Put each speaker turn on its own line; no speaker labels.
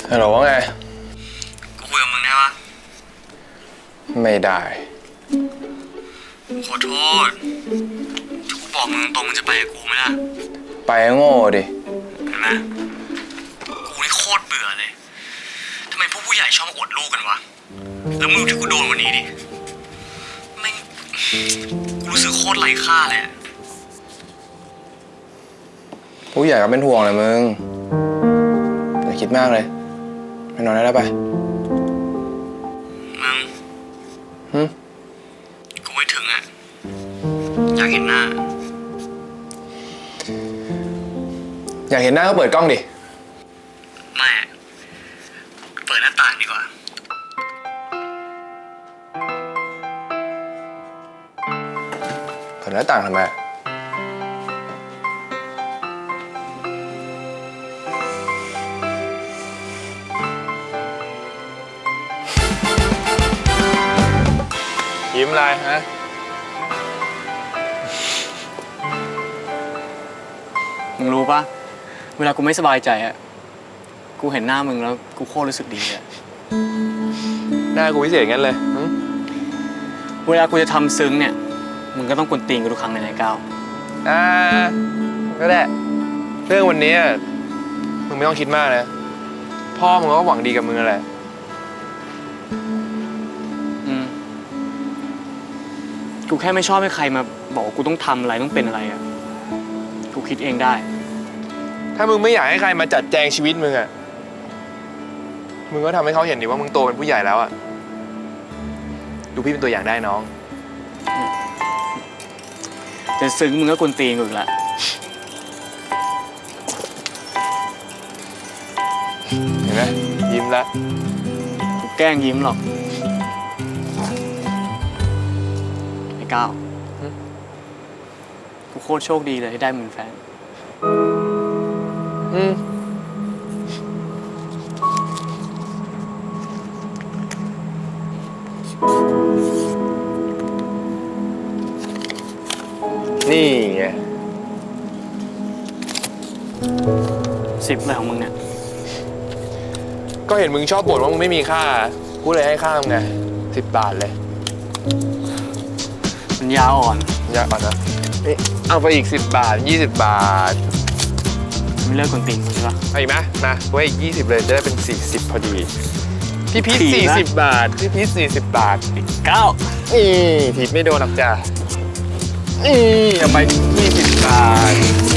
ฮัลโหลว่าไง
กูคุยกับมึงได้ปะ
ไม่ได้
ขอโทษถ้ากูบอกมึงตรงมึงจะไปกับกูไหมล่ะ
ไปโง่ดิ
เห็นไหมกูนี่โคตรเบื่อเลยทำไมพวกผู้ใหญ่ชอบมาอวดลูกกันวะแล้วมึงที่กูโดนวันนี้ดิแม่งกูรู้สึกโคตรไร้ค่าเลย
ผู้ใหญ่ก็เป็นห่วงเลยมึงอย่าคิดมากเลยไปนอนได้แล้วไป
มึงกูไม่ถึงอ่ะอยากเห็นหน้า
อยากเห็นหน้าก็เปิดกล้องดิ
ไม่เปิดหน้าต่างดีกว่า
เปิดหน้าต่างทำไมยิ้มอะไรฮะ
มึงรู้ปะเวลากูไม่สบายใจอะกูเห็นหน้ามึงแล้วกูโคตรรู้สึกดีเลย
หน้ากูพิเศษงั้นเลย
เวลากูจะทำซึ้งเนี่ยมึงก็ต้องกวนตีนกูทุกครั้งเลยนายก้าว
ก็ได้เรื่องวันนี้มึงไม่ต้องคิดมากนะพ่อมึงก็หวังดีกับมึงแหละ
กูแค่ไม่ชอบให้ใครมาบอกว่ากูต้องทำอะไรต้องเป็นอะไรอ่ะกูคิดเองได้
ถ้ามึงไม่อยากให้ใครมาจัดแจงชีวิตมึงมึงก็ทำให้เขาเห็นดิว่ามึงโตเป็นผู้ใหญ่แล้วดูพี่เป็นตัวอย่างได้น้อง
แต่ซึ้งมึงก็กวนตีนกูอีกละ
เห็นไหมยิ้มละ
กูแกล้งยิ้มหรอกก้าวกูโคตรโชคดีเลยที่ได้มึงแฟน
นี่ไง
10อะไรของมึงเนี่ย
ก็เห็นมึงชอบบ่นว่ามึงไม่มีค่ากูเลยให้ค่ามึงไง10 บาทเลย
มันยาอ่อน
นะนี่เอาไปอีก10 บาท20 บาท
ไม่เลิกกวนตีนใช่ปะ
เอาอีกไหมมาไว้อีก20เลยจะได้เป็น40พอดีพี่พีช40 บาทพี่พีช40 บาท
9
ถีบไม่โดนหรอกจ้ะเอาไป20 บาท